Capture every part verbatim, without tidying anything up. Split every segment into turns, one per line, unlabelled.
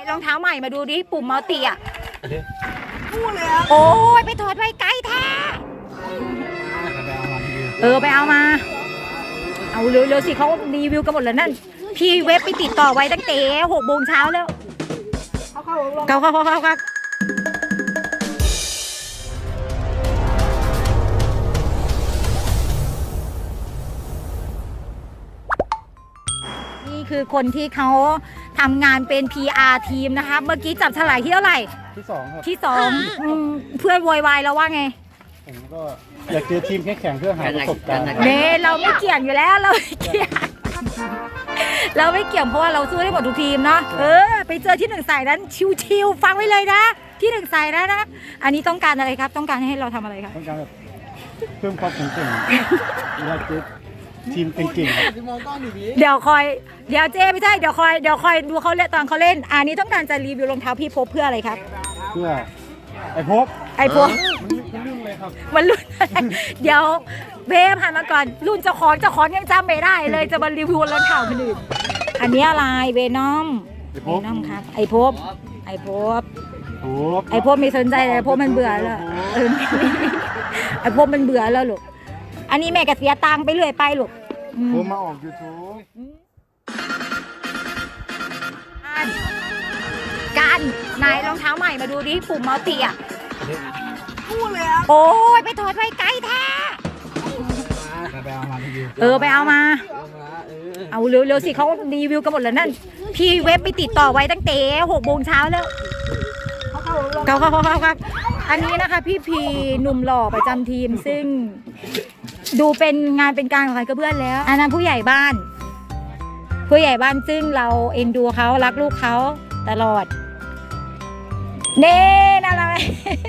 รองเท้าใหม่มาดูดิปุ่มมัลติอ่ะ
พูดเลยครับ
โอ้ยไปถอดไว้ไกลแท้เออไปเอามาเอาเร็วๆสิเขารีวิวกันหมดแล้วนั่นพี่เว็บไปติดต่อไว้ตั้งแต่หกโมงเช้าแล้ว
เขาเข้าลง
เขาเขาเขาเขาครับนี่คือคนที่เขาทำงานเป็น พี อาร์ ทีมนะคะเมื่อกี้จับฉลากที่เท่าไหร่
ที่สองครับ
ที่สองอืมเพื่อนโวยวายแล้วว่าไง
ผมก็อยากเจอทีมแข่งๆเพื่อหาประสบการณ์
เน่เราไม่เกี่ยงอยู่แล้วเราไม่เกี่ยงเราไม่เกี่ยงเพราะว่าเราสู้ได้หมดทุกทีมเนาะเออไปเจอที่หนึ่งสายนั้นชิวๆฟังไว้เลยนะที่หนึ่งสายนะนะอันนี้ต้องการอะไรครับต้องการให้เราทำอะไรครับ
ต้องการแบบเพิ่มความแข็งแกร่งอยากเจอทีมเก่งๆครับ
เดี๋ยวคอยเดี๋ยวเจไม่ใช่เดี๋ยวคอยเดี๋ยวคอยดูเขาเล่นตอนเขาเล่นอันนี้ต้องการจะรีวิวรองเท้าพี่พบเพื่ออะไรครับ
เพื่อไอ้พบ
ไอ้พวก
มันเรื่องอะไรครับ
มันรุ่นอะไรเดี๋ยวเบฟหันมาก่อนรุ่นเจ้าของเจ้าของยังจำไม่ได้เลยจะมารีวิวรองเท้าคนอื่นอันนี้อะไรเวนอม
ไอ้พ
เว
บ
นอมครับไอ้พบไอ้พบ
พบ
ไอ้พบไม่สนใจเลยไอ้พบมันเบื่อแล้วเออไอ้พบมันเบื่อแล้วลูกอันนี้แม่ก็เสียตังค์ไปเรื่อยไปลูกอืม
ผมมาออกยูทูบ
การการนายรองเท้าใหม่มาดูดิปุ่มมัลติอ่ะ
พูดเลยครับ
โอ้ยไปถอดไว้ไกลแท้เออไปเอามาเอาเร็วๆสิเขารีวิวกันหมดแล้วนั่นพี่เว็บไปติดต่อไว้ตั้งแต่หกโมงเช้าแล้ว
เขาเข้าลง
เขาเขาเขาครับอันนี้นะคะพี่พีหนุ่มหล่อประจำทีมซึ่งดูเป็นงานเป็นการของใครก็เพื่อนแล้วอันนั้นผู้ใหญ่บ้าน ผู้ใหญ่บ้านซึ่งเราเอ็นดูเขารักลูกเขาตลอดเน่น่ารัก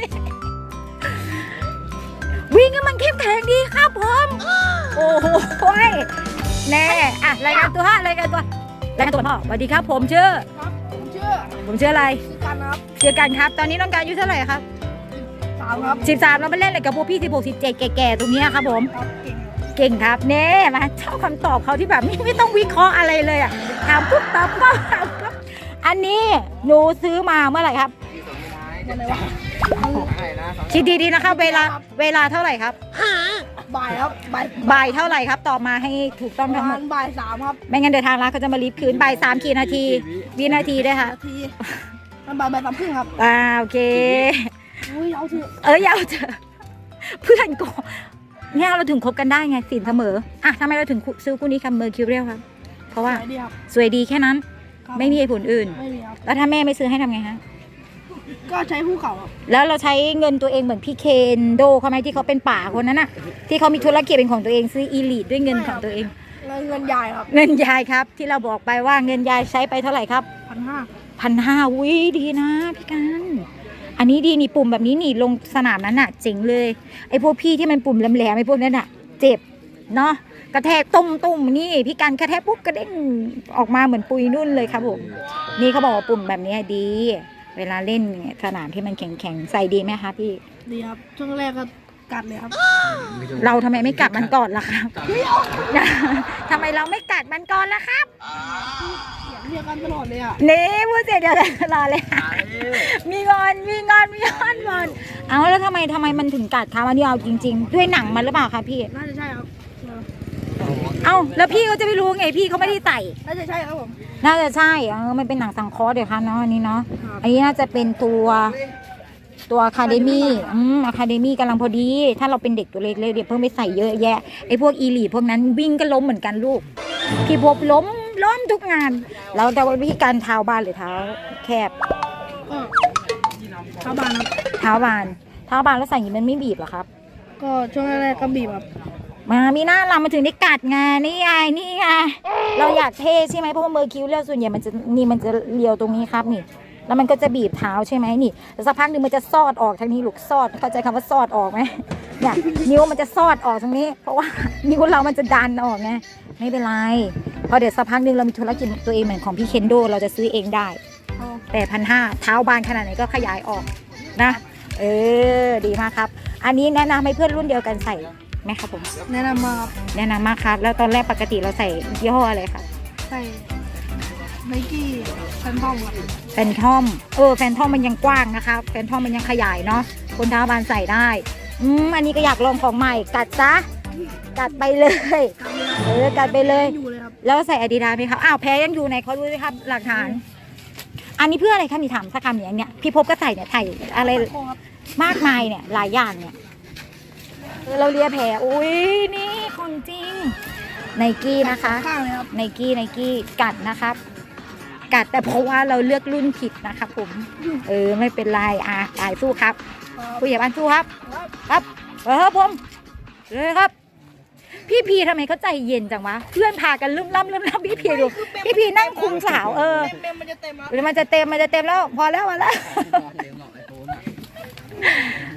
วิ่งให้มันเข้มแข็งดีครับผมโอ้โหแน่อะรายงานตัวฮะรายงานตัวรายงานตัวพ่อสวัสดีครับผมชื่อ
ครับผมชื่อ
ผมชื่ออะไร
ชื่อกันครับ
ชื่อกันครับตอนนี้น้องการอายุเท่าไหร่ครับ
สามครับ
สิบสามเราไปเล่นอะไรกับพวกพี่สิบหกสิบเจ็ดแก่ๆตรงนี้ครับผม
ครับเก่ง
เก่งครับเน่มาชอบคำตอบเขาที่แบบไม่ไม่ต้องวิเคราะห์อะไรเลยอ่ะถามปุ๊บตอบปั๊บถามปั๊บอันนี้หนูซื้อมาเมื่อไหร่ครับ
อะไรวะ
คิดดีๆนะคะเวลาเวลาเท่าไหร่ครับ
บ่ายครับบ่าย
บ่ายเท่าไหร่ครับตอบมาให้ถูกต้อง
ป
ทั้
ระ
งหม
มา
ด
ณบ่ายสามครับ
ไม่งั้นเดี๋ยวทางร้านเขาจะมารีบคืนบ่ายสามกี่นาทีวินาทีด้วยค่ะ
นาทีมันบ่ายบ่ายสามครึ่งครับ
อ่าโอเค
อุ้ยเอาเถอะ
เอออยาวเจอเพื่อนก็เนี่ยเราถึงคบกันได้ไงสินเสมออ่ะทำไมเราถึงซื้อคู่นี้ครับเมอร์คิวเรียลครับ เพราะว่า
ไหนดีครับ
สวยดีแค่นั้น
ครับ
ไม่มีเหตุผลอื่น
ไม่มีครับ
แล้วถ้าแม่ไม่ซื้อให้ทำไงฮะ
ก็ใช้ภูเขาครับ
แล้วเราใช้เงินตัวเองเหมือนพี่เคนโดเขาไหมที่เขาเป็นป่าคนนั้นน่ะที่เขามีธุรกิจเป็นของตัวเองซื้ออีลีดด้วยเงินของตัวเอง
เงินเงินยายครับ
เงินยายครับ ที่เราบอกไปว่าเงินยายใช้ไปเท่าไหร่ครับ
พันห้า
พันห้าวิดีนะพี่กันอันนี้ดีนี่ปุ่มแบบนี้นี่ลงสนามนั้นน่ะเจ๋งเลยไอ้พวกพี่ที่มันปุ่มแหลมๆไอ้พวกนั้นน่ะ เจ็บเนาะกระแทกตุ้มตุ้มนี่พี่กันกระแทกปุ๊บกระเด้งออกมาเหมือนปุยนุ่นเลยครับผมนี่เขาบอกว่าปุ่มแบบนี้ดี เวลาเล่นสนามที่มันแข็งๆใส่ดีไหมคะพี่
ดีครับช่วงแรกก็กัดเลยครับ
เราทำไมไม่กัดมันก่อนล่ะครับ ทำไมเราไม่กัดมันก่อนล่ะครับ
เสียงเรียกกันตลอดเลยอ่ะ
นี่พูดเสร็จเดี๋ยวรอเลย มีงอนมีงอนมีงอนงอนเอาแล้วทำไมทำไมมันถึงกัดคะอันนี้เอาจริง ๆ ด้วยหนังมันหรือเปล่าคะพี่
น่าจะใช่ครับเออ
เอ้าแล้วพี่เขาจะไม่รู้ไงพี่เขาไม่ได้ใส่
น่าจะใช่ครับผม
น่าจะใช่เออมันเป็นหนังสังเคราะห์เดี๋ยวค่ะเนาะอันนี้เนาะ
ครับ
อันนี้น่าจะเป็นตัวตัวอะคาเดมี่อืมอะคาเดมี่กำลังพอดี ถ้าเราเป็นเด็กตัวเล็กๆเดี๋ยวเพิ่งไปใส่เยอะแยะไอ้พวกอีลีพวกนั้นวิ่งก็ล้มเหมือนกันลูกพี่พบล้มล้มทุกงานแล้วแต่ว่าวิธีการเท้าบานหรือเท้าแคบ
ก็เข้าบ้านครับ
เท้าบานเท้าบานแล้วใส่อย่างนี้มันไม่บีบเหรอครับ
ก็ช่วงแรกๆก็บีบครับ
มามีหน้าเรามาถึงได้กัดไงนี่ไงนี่ไงเราอยากเท่ใช่ไหมเพราะว่าเมอร์คิวเรียลส่วนใหญ่มันจะนี่มันจะเลียวตรงนี้ครับนี่ แล้วมันก็จะบีบเท้าใช่ไหมนี่แต่สักพักหนึ่งมันจะซอดออกทางนี้ลูกซอดเข้าใจคำว่าซอดออกไหมเนี่ยนิ้วมันจะซอดออกตรงนี้ เพราะว่านิ้วเรามันจะดันออกไงไม่เป็นไรพอเดี๋ยวสักพักหนึ่งเรามีธุรกิจตัวเองเหมือนของพี่เคนโดเราจะซื้อเองได้แต่พันห้าเท้าบานขนาดไหนก็ขยายออกนะเออดีมากครับ อันนี้แนะนำให้เพื่อนรุ่นเดียวกันใส่ไหมครับผม
แนะนำมาครับ
แนะนำมากครับแล้วตอนแรกปกติเราใส่ยี่ห้ออะไรครับ
ใส่ไนกี้แฟนทอมครับ
แฟนทอมเออแฟนทอมมันยังกว้างนะคะแฟนทอมมันยังขยายเนาะคนเท้าบานใส่ได้อืมอันนี้ก็อยากลองของใหม่กัดซะกัดไปเลยเออกัดไปเลย
อยู่เลยครับ
แล้วใส่อาดิดาสไหมครับอ้าวแพ้ยังอยู่ไหนเขาดูสิครับหลักฐาน อันนี้เพื่ออะไรคะมีถามสักคำอย่างเนี้ยพี่พบก็ใส่เนี่ยใส่อะไร
โค้ครับ
มากมายเนี่ยหลายอย่างเนี่ยเออเราเลียแผลอุ้ยนี่ของจริงไนกี้นะคะ
ข้างเลยครับ
ไนกี้ไนกี้กัดนะครับ กัดแต่เพราะว่าเราเลือกรุ่นผิดนะครับผม เออไม่เป็นไรอ่ะตายสู้ครับ ผู้ใหญ่บ้านสู้ครับ ครับเออผมเลยครับ พี่พีทำไมเขาใจเย็นจังวะเพื่อนพากันลืมล่ำลืมล่ำพี่พีดูพี่พีนั่งคุมสาวเออ
เต็มมันจะเต็มครับ
หรือมันจะเต็มมันจะเต็มแล้ว พอแล้วพอแล้ว